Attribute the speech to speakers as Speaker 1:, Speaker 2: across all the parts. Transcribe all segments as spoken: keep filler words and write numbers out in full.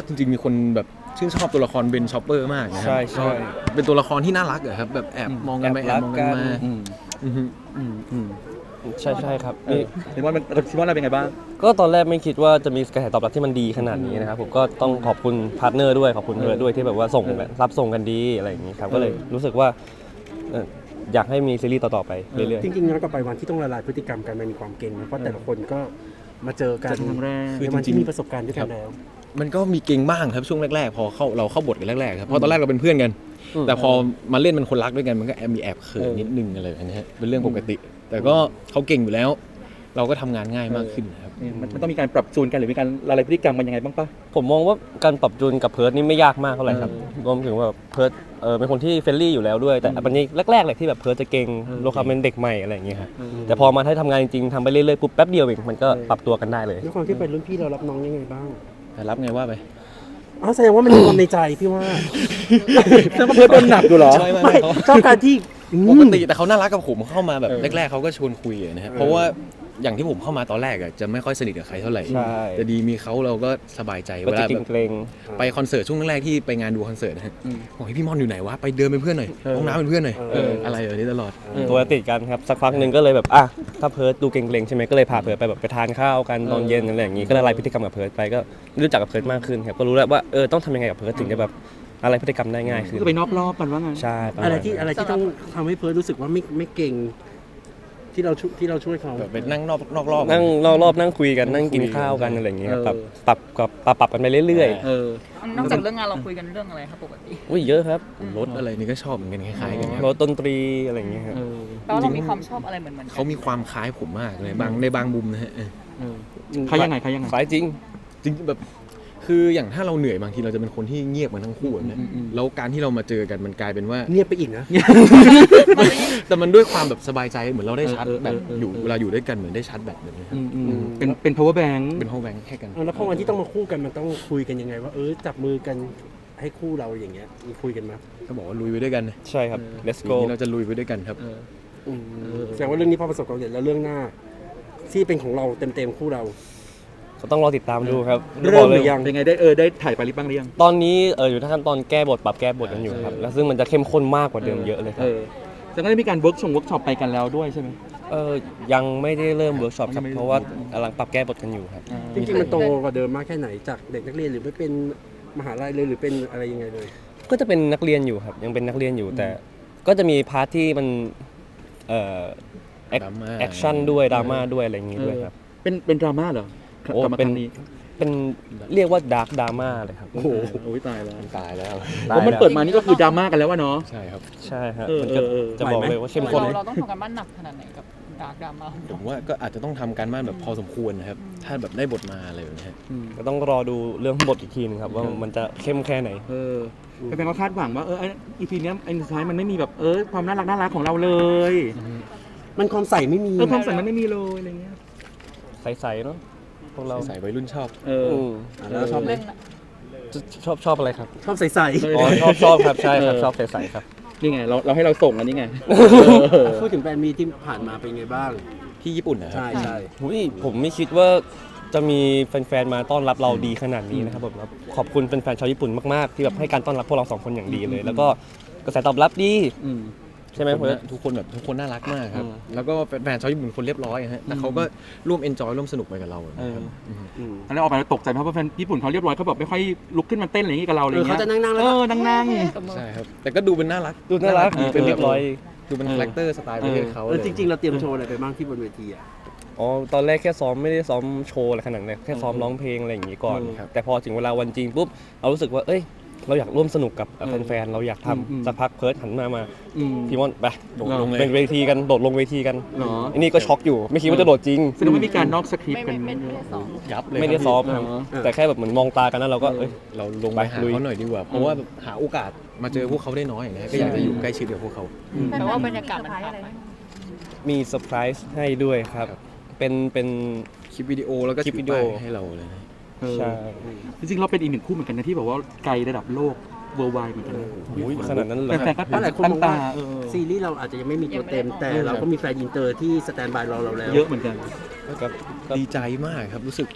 Speaker 1: จริงๆมีคนแบบชื่นชอบตัวละครเบนชอปเปอร์มากนะครั
Speaker 2: ใช่ใช่
Speaker 1: เป็นตัวละครที่น่ารักอะครับแบบแอบมองกันไปแอบมองกันมา
Speaker 3: อืม
Speaker 1: อือฮึ
Speaker 3: อืมอืม
Speaker 2: ใช่ใช่ครับ
Speaker 3: เออคิดว่ามันคิดว่าเราเป็นไงบ้าง
Speaker 2: ก็ตอนแรกไม่คิดว่าจะมีกระแสตอบรับที่มันดีขนาดนี้นะครับผมก็ต้องขอบคุณพาร์ทเนอร์ด้วยขอบคุณเพิร์ทด้วยที่แบบว่าส่ง
Speaker 3: เออ
Speaker 2: รับส่งกันดีอะไรอย่างนี้ครับก็เลยรู้สึกว่าเอ่ออยากให้มีซีรีส์ต่อๆไปเรื่อย
Speaker 4: จริงๆย้อนกลับไปวันที่ต้องละลายพฤติกรรมกันมันมีความเก่งนะเพราะแต่ละคนก็มาเจอกัน
Speaker 3: เจอกันครั้งแรก
Speaker 4: ในวันที่มีประสบการณ์ด้วยกันแล้ว
Speaker 1: มันก็มีเก่งบ้างครับช่วงแรกๆ พอเข้าเราเข้าบทกันแรกๆครับเพราะตอนแรกเราเป็นเพื่อนกัน แต่พอมาเล่นเป็นคนรักด้วยกันมันก็แอบมีแอบเขิน
Speaker 3: เออ
Speaker 1: นิดนึงอะไรแบบนี้ฮะเป็นเรื่องปกติ แต่ก็เขาเก่งอยู่แล้ว เราก็ทำงานง่ายมากขึ้นนะครับ
Speaker 3: นี่มันมันต้องมีการปรับจูนกันหรือมีการละลายพฤติกรรมกันยังไงบ้างปะ
Speaker 2: ๆผมมองว่าการปรับจูนกับเพิร์ทนี่ไม่ยากมากเท่าไหร่ครับรวมถึงว่าเพิร์ทเออเป็นคนที่เฟรนลี่อยู่แล้วด้วยแต่อันนี้แรกๆเลยที่แบบเพิร์ทจะเก่งโลคาเป็นเด็กใหม่อะไรอย่างเงี้ยครับแต่พอมาให้ทำงานจริงๆทำไปเรื่อยๆปุ๊บแป๊บเดียวเองมันก็ปรับตัวกันได้เลย
Speaker 4: ด้วยความที่เป็นรุ่นพี่เรารับน้องยังไงบ้าง
Speaker 1: แต่รับไงว่าไป
Speaker 4: อ๋อแสดงว่ามันมีความในใจพี่ว่า
Speaker 3: แสดงว่าเพิร์ทโดนหนักอยู่เหรอ
Speaker 1: ใช่ไหม
Speaker 4: ไม่
Speaker 1: เขา
Speaker 4: ชอบการที่อื
Speaker 1: ป
Speaker 4: ม
Speaker 1: กติแต่เขาน่ารักกับผมเข้ามาแบบ
Speaker 3: เออ
Speaker 1: แรกๆเขาก็ชวนคุยอะนะครับเพราะว่าอย่างที่ผมเข้ามาตอนแรกอะจะไม่ค่อยสนิทกับใครเท่าไหร่
Speaker 2: ใช่
Speaker 1: แต่ดีมีเขาเราก็สบายใจ
Speaker 2: ก็
Speaker 1: เว
Speaker 2: จะ
Speaker 1: ลา
Speaker 2: เก
Speaker 1: แบบ
Speaker 2: รง
Speaker 1: ไปคอนเสิร์ตช่วงแรกๆที่ไปงานดูคอนเสิร์ตนะฮะ
Speaker 3: อืม
Speaker 1: บอกให้พี่ม่อนอยู่ไหนวะไปเดินเป็นเพื่อนหน่อย
Speaker 3: เออ
Speaker 1: ห้องน้ำเป็นเพื่อนหน่อย
Speaker 4: เออ
Speaker 1: อะไรแบบนี้ตลอด
Speaker 2: ๆตัวติดกันครับสักพักหนึ่งก็เลยแบบอ่ะถ้าเพิร์ทดูเกรงๆใช่ไหมก็เลยพาเพิร์ทไปแบบไปทานข้าวกันตอนเย็นอะไรอย่างงี้ก็ละลายพฤติกรรมกับเพิร์ทไปก็รู้จักกับเพิร์ทมากขึ้นครับก็รู้แล้วว่าเออต้องทำยังไงกับเพิร์ทถึงจะแบบอะไรพฤติกรรมได้ง่ายขึ้น
Speaker 3: ก็ไปนอกรอบกันว่างั้น
Speaker 2: ใช่ประมาณ
Speaker 4: อะไรที่
Speaker 2: นั้น
Speaker 4: อะไรที่ต้องทำให้เพิร์ลรู้สึกว่าไม่ไม่เก่งที่เราช่วยที่เราช่วยเขา
Speaker 1: แบบไปนั่งนอกนอกรอบ
Speaker 2: นั่งรอบๆนั่งคุยกันนั่งกินข้าวกันอะไรอย่างเงี้ยครับ
Speaker 3: เออ
Speaker 2: ปรับปรับกับปรับปรับกันไปเรื่อย
Speaker 3: เออ
Speaker 5: นอกจากเรื่องงานเราคุยกันเรื่องอะไรครับปกติ
Speaker 2: ๆอุ้ยเยอะครับ
Speaker 1: รถอะไรนี่ก็ชอบเหมือนกันคล้ายๆกันครับ
Speaker 2: รถดนตรีอะไรอย่างเงี้ยครับ
Speaker 3: เออ
Speaker 5: แปลว่าเรามีความชอบอะไรเหมือนเหมือนกั
Speaker 1: เขามีความคล้ายผมมากเลยบางในบางมุมนะฮะเออ
Speaker 3: เออใครยังไงใครยังไง
Speaker 2: สายจริง
Speaker 1: จริงๆแบบคืออย่างถ้าเราเหนื่อยบางทีเราจะเป็นคนที่เงียบกันทั้งคู่อะนะ
Speaker 3: อืมอืม
Speaker 1: แล้วการที่เรามาเจอกันมันกลายเป็นว่า
Speaker 4: เงียบไปอีกนะ
Speaker 1: แต่มันด้วยความแบบสบายใจเหมือนเราได้ชาร์จ
Speaker 3: เออเออ
Speaker 1: แบบ
Speaker 3: เออ
Speaker 1: อยู่
Speaker 3: เออ
Speaker 1: เวลาอยู่ด้วยกันเหมือนได้ชาร์จแบตแบบนี้ครับ
Speaker 3: อืมอืมเป็นเป็น power bank
Speaker 1: เป็นห้องแบงค์แค่กัน
Speaker 4: เอาแล้วพอวันที่ต้องมาคู่กันมันต้องคุยกันยังไงว่าเออจับมือกันให้คู่เราอย่างเงี้ยมีคุยกันไหม
Speaker 1: ก็บอกว่าลุยไปด้วยกันนะ
Speaker 2: ใช่ครับ let's
Speaker 1: ที
Speaker 2: go
Speaker 1: นี้เราจะลุยไปด้วยกันครับ
Speaker 3: เออ
Speaker 4: อืมแสดงว่าเรื่องนี้พอประสบความสำเร็จแล้วเรื่องหน้า ที่เป็นของเราเต็มๆคู่เรา
Speaker 2: ก็ต้องรอติดตามดูครับ
Speaker 4: เริ่มหรือยัง
Speaker 3: เป็นไงได้เออได้ถ่ายไปริบบ้างหรือยัง
Speaker 2: ตอนนี้เอออยู่ในขั้นตอนแก้บทปรับแก้บทกันอยู่ครับแล้วซึ่งมันจะเข้มข้นมากกว่าเดิมเยอะเลยค
Speaker 3: เอ
Speaker 2: รับ
Speaker 3: อแต่ก็ได้มีการเวิร์กชงเวิร์กช็อปไปกันแล้วด้วยใช่ไหม
Speaker 2: เออยังไม่ได้เริ่มเวิร์กช็อปครับ
Speaker 3: ยังไม่ได้
Speaker 2: เพราะว่ากำลังปรับแก้บทกันอยู่ครับ
Speaker 4: จริงๆมันโตกว่าเดิมมากแค่ไหนจากเด็กนักเรียนหรือไม่เป็นมหาลัยเลยหรือเป็นอะไรยังไงเลย
Speaker 2: ก็จะเป็นนักเรียนอยู่ครับยังเป็นนักเรียนอยู่แต่ก็จะมีพาร์ทที่มันเอ่อแอค
Speaker 1: ดราม่า
Speaker 2: แอคชั่นด้วยดราม่าด้วยอะไรอย่างงี้ด้วยครับ
Speaker 3: เป็นเป็นดราม่าเหรอ
Speaker 2: โอ้
Speaker 3: กลับมา
Speaker 2: เป็น
Speaker 3: ครั้งนี้
Speaker 2: เป็นเรียกว่าดาร์กดราม่าเลยครับ
Speaker 3: โอ้โหโอ้ยตายแล้ว
Speaker 1: ตายแล้ว
Speaker 3: เพราะมันเปิดมานี่ก็คือดราม่ากันแล้ววะเนาะ
Speaker 1: ใช่ครับ
Speaker 2: ใช่ฮะ
Speaker 3: เออ
Speaker 2: มันก็
Speaker 3: เออเออ
Speaker 2: จะบอก
Speaker 4: ไหวไหม
Speaker 2: เลยว่าเข้มข้น
Speaker 5: เราเราต้องทำกันบ้านหนักขนาดไหนกับดาร์กดราม่าของ
Speaker 1: ผ
Speaker 5: เรา
Speaker 1: มว่าก็อาจจะต้องทำการบ้านแบบพอสมควรนะครับ ถ้าแบบได้บทมาอะไรแบบนี้ฮะ
Speaker 2: ก็ต้องรอดูเรื่องบทอีกทีนึงครับว่ามันจะเข้มแค่ไหน
Speaker 3: เออแฟนๆก็คาดหวังว่าเอออีพีนี้ยไอ้สุดท้ายมันไม่มีแบบเออความน่ารักน่ารักของเราเลย
Speaker 4: มันความใส่ไม่มี
Speaker 3: เออความใส่มันไม่มีเลยอะไรเงี้ย
Speaker 2: ใสๆเนาะพวกเรา
Speaker 1: ใส่วัยรุ่นชอบ
Speaker 3: เออ
Speaker 2: อืม
Speaker 4: อ่ะแล้วชอบไหม
Speaker 5: เรื่องน่ะ
Speaker 2: ชอบชอบอะไรครับ
Speaker 4: ชอบใส่
Speaker 3: เอ
Speaker 2: อ๋อชอบชอบครับใช่ครับชอบใสๆครับ
Speaker 3: นี่ไงเราเราให้เราส่งอันนี้ไง
Speaker 4: ๆพูดถึงแฟนมีที่ผ่านมาเป็นไงบ้าง
Speaker 1: ที่ญี่ปุ่นนะครับ
Speaker 4: ใช่ใช่
Speaker 2: หุยผมไม่คิดว่าจะมีแฟนๆ มาต้อนรับเราดีขนาดนี้นะครับผมครับขอบคุณแฟนๆ ชาวญี่ปุ่นมากๆ ที่แบบให้การต้อนรับพวกเราสองคนอย่างดีเลย แล้วก็กระแสตอบรับดี
Speaker 3: อืม
Speaker 2: ใช่ไหม
Speaker 1: ทุก
Speaker 2: เพื่
Speaker 1: คน
Speaker 2: อน
Speaker 1: นะทุกคนแบบทุกคนน่ารักมากครับ
Speaker 3: เออ
Speaker 1: แล้วก็แฟนๆชาวญี่ปุ่นคนเรียบร้อยอะฮะแต่เขาก็ร่วมเอนจอยร่วมสนุกไปกับเรานะครับ
Speaker 3: เออ
Speaker 1: ม
Speaker 4: อืม
Speaker 3: ตอนแรกออกไปเราตกใจเพราะว่าแฟนญี่ปุ่นเขาเรียบร้อยเขาแบบไม่ค่อยลุกขึ้นมาเต้นอะไรอย่างงี้กับเราอะไร
Speaker 4: เออ
Speaker 3: เงี้
Speaker 4: เขา
Speaker 3: ย
Speaker 4: จะนั่งๆแล้ว
Speaker 3: เอ
Speaker 4: ก็
Speaker 3: อนั่งนั่ง
Speaker 5: กับมือ
Speaker 1: ใช่ครับ แต่ก็ดูเป็นน่ารัก
Speaker 2: ดูน่ารัก
Speaker 1: ดี
Speaker 2: เป็นเรียบร้อย
Speaker 1: ดูเป็นคาแรคเตอร์สไตล์ประเทศเขา
Speaker 4: เออจริงๆเราเตรียมโชว์อะไรไปบ้างที่บนเวทีอ่ะ
Speaker 2: อ๋อตอนแรกแค่ซ้อมไม่ได้ซ้อมโชว์อะไรขนาดนั้นแค่ซ้อมร้องเพลงอะไรอย่างงี้ก่อนครับแต่พอถึงเวลาวันจริงปุ๊บเรารู้สึกว่าเอ้ยเราอยากร่วมสนุกกับแฟนๆ เราอยากทำสักพักเพิร์ดหันมามา
Speaker 3: อืม
Speaker 2: พี่มอนไป
Speaker 1: โดดลงเลย
Speaker 2: เป็นเวทีกันโดดลงเวทีกัน
Speaker 3: เหรอ
Speaker 2: อันนี้ก็ช็อกอยู่ไม่คิดว่าจะโดดจริง
Speaker 3: แสดงว่ามีการนอกสคริป
Speaker 5: ไม่
Speaker 3: ต์กั
Speaker 5: ไม่
Speaker 3: น
Speaker 5: ไม่ไม่ได้สอน
Speaker 1: ยับเลย
Speaker 2: ไม่ได้
Speaker 1: ครับ
Speaker 2: ซ้อม
Speaker 3: เหรอ
Speaker 2: ครับแต่แค่แบบเหมือนมองตากันแล้วเราก็เอ้ย
Speaker 1: เราลงไปหา
Speaker 2: ไปลุย
Speaker 1: เขาหน่อยดีกว่า เพราะว่าหาโอกาสมาเจอพวกเขาได้น้อยนะฮะก็อยากจะอยู่ใกล้ชิดกับพวกเขา
Speaker 5: แปลว่าบรรยากาศมันต่างไป
Speaker 2: มีเซอร์ไพรส์ให้ด้วยครับ เป็นเป็น
Speaker 1: คลิปวิดีโอแล้วก็
Speaker 2: คลิปวิดีโอ
Speaker 1: ถือป้ายให้เราเลยนะ
Speaker 3: เออ
Speaker 2: ใช่
Speaker 3: จริงๆเราเป็นอีกหนึ่งคู่เหมือนกันนะที่แบบว่าไกลระดับโลก worldwide เหมือนกันนะ
Speaker 2: อุ้ยขนาดนั้นเลย
Speaker 3: แฟนๆก็
Speaker 4: เพราะหลายคน
Speaker 3: ตั้
Speaker 4: ม
Speaker 3: ง
Speaker 4: อง
Speaker 3: ตา
Speaker 4: ว่า
Speaker 3: เออ
Speaker 4: ซีรีส์เราอาจจะยังไม่มีตัวเต็ม แต่เราก็มีแฟนอินเตอร์ที่สแตนบายรอเราแล้ว
Speaker 3: เยอะเหมือนกัน
Speaker 2: ครับ
Speaker 1: ดีใจมากครับรู้สึก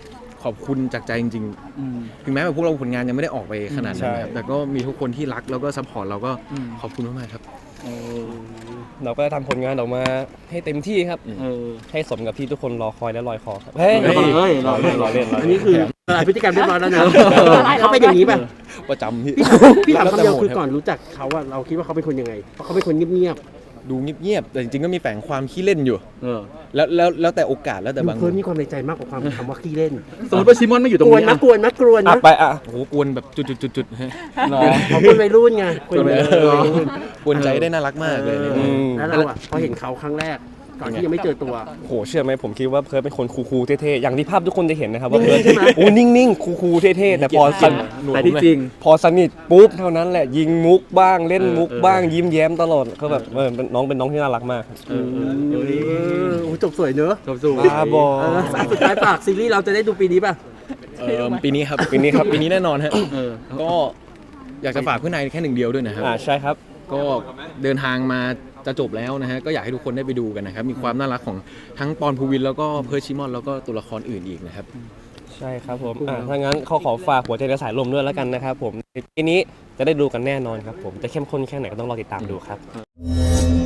Speaker 1: ขอบคุณจากใจจริง
Speaker 3: อืม
Speaker 1: ๆ ถึงแม้แบบพวกเราผลงานยังไม่ได้ออกไปขนาดนั้นนะครับ
Speaker 2: ใช่
Speaker 1: แต่ก็มีทุกคนที่รักแล้วก็ซัพพอร์ตเราก็
Speaker 3: อืม
Speaker 1: ขอบคุณมากๆครับ
Speaker 3: เออ
Speaker 2: เราก็จะทำผลงานออกมาให้เต็มที่ครับ
Speaker 3: เออ
Speaker 2: ให้สมกับที่ทุกคนรอคอยและลอยคอครับเฮ้ย
Speaker 3: เฮ้ยเฮ้ย
Speaker 2: รอเล่นรอเล่นรอ
Speaker 4: อัน
Speaker 2: เล่
Speaker 4: นี้
Speaker 2: น
Speaker 4: คือละลายพฤติกรรมเรียบร้อยแล้วนะเขาเป็นอย่างนี้ป่ะ
Speaker 1: ประจำพี่
Speaker 4: พี่ถาม
Speaker 1: แล้ว
Speaker 4: คำ
Speaker 1: แต่
Speaker 4: เดียว
Speaker 1: โหม
Speaker 4: คือ
Speaker 1: รับ
Speaker 4: ก่อนรู้จักเขาอะเราคิดว่าเขาเป็นคนยังไงเพราะเขาเป็นคนเงียบ
Speaker 1: ดูเงียบๆแต่จริงๆก็มีแฝงความขี้เล่นอยู่
Speaker 3: เออ
Speaker 1: แล้วแล้วแล้วแต่โอกาสแล้ว
Speaker 4: ๆ
Speaker 1: แต่
Speaker 4: ดู
Speaker 1: บาง
Speaker 4: เพิร์ดมีความในใจมากกว่าความคำว่าขี้เล่น
Speaker 3: สมมติว่าชิมอนไม่อยู่ตร
Speaker 4: ก
Speaker 3: ง
Speaker 4: วน
Speaker 3: นี้
Speaker 4: นะ
Speaker 3: อ่ะ
Speaker 4: กวนนะกวน
Speaker 2: อ่ะ
Speaker 4: นะ
Speaker 2: ไปอ่ะ
Speaker 1: โอ้โหกวนแบบจุดๆๆๆฮะ
Speaker 3: เหรอ
Speaker 4: เขาเป็นวัยรุ่นไงกวนวัยรุ่น
Speaker 1: เออกวนใจได้น่ารักมากเลยใน
Speaker 4: เอ
Speaker 1: นี้
Speaker 4: อแล้วเราอะพอเห็นเขาครั้งแรกก่อนที่ยังไม่เจอตัว
Speaker 2: โหเชื่อไหมผมคิดว่าเพิร์ดเป็นคนคูลๆเท่ๆอย่างที่ภาพทุกคนจะเห็นนะครับว่าเพิร์ด
Speaker 4: ใช่ไหม
Speaker 2: โอ้นิ่งๆคูลๆเท่ๆแต่พอสน
Speaker 3: แต่ที่จริง
Speaker 2: พอสนิทปุ๊บเท่านั้นแหละยิงมุกบ้างเล่นมุก
Speaker 3: เออเออ
Speaker 2: บ้างยิ้มแย้มตลอดก็แบบเออเป็นน้องเป็นน้องที่น่ารักมาก
Speaker 3: เออเออ
Speaker 4: เอ
Speaker 3: เออ
Speaker 4: อโอ้จบสวยเนอะ
Speaker 3: จบสู่
Speaker 2: บ้าบอ
Speaker 4: เออสุดท้ายฝากซีรีส์เราจะได้ดูปีนี้ป่ะ
Speaker 1: เอ่อปีนี้ครับปีนี้ครับปีนี้แน่นอนฮะ
Speaker 3: เออ
Speaker 1: ก็อยากจะฝากเพื่อนนายแค่หนึ่งเดียวด้วยนะครับ
Speaker 2: อ่าใช่ครับ
Speaker 1: ก็เดินทางมาจะจบแล้วนะฮะก็อยากให้ทุกคนได้ไปดูกันนะครับมีความน่ารักของทั้งปอนภูวินแล้วก็เพิร์ชชิมอนแล้วก็ตัวละครอื่นอีกนะครับ
Speaker 2: ใช่ครับผมอ่าถ้างั้นเขาขอฝากหัวใจในสายลมด้วยแล้วกันนะครับผมทีนี้จะได้ดูกันแน่นอนครับผมจะเข้มข้นแค่ไหนก็ต้องรอติดตามดูครับ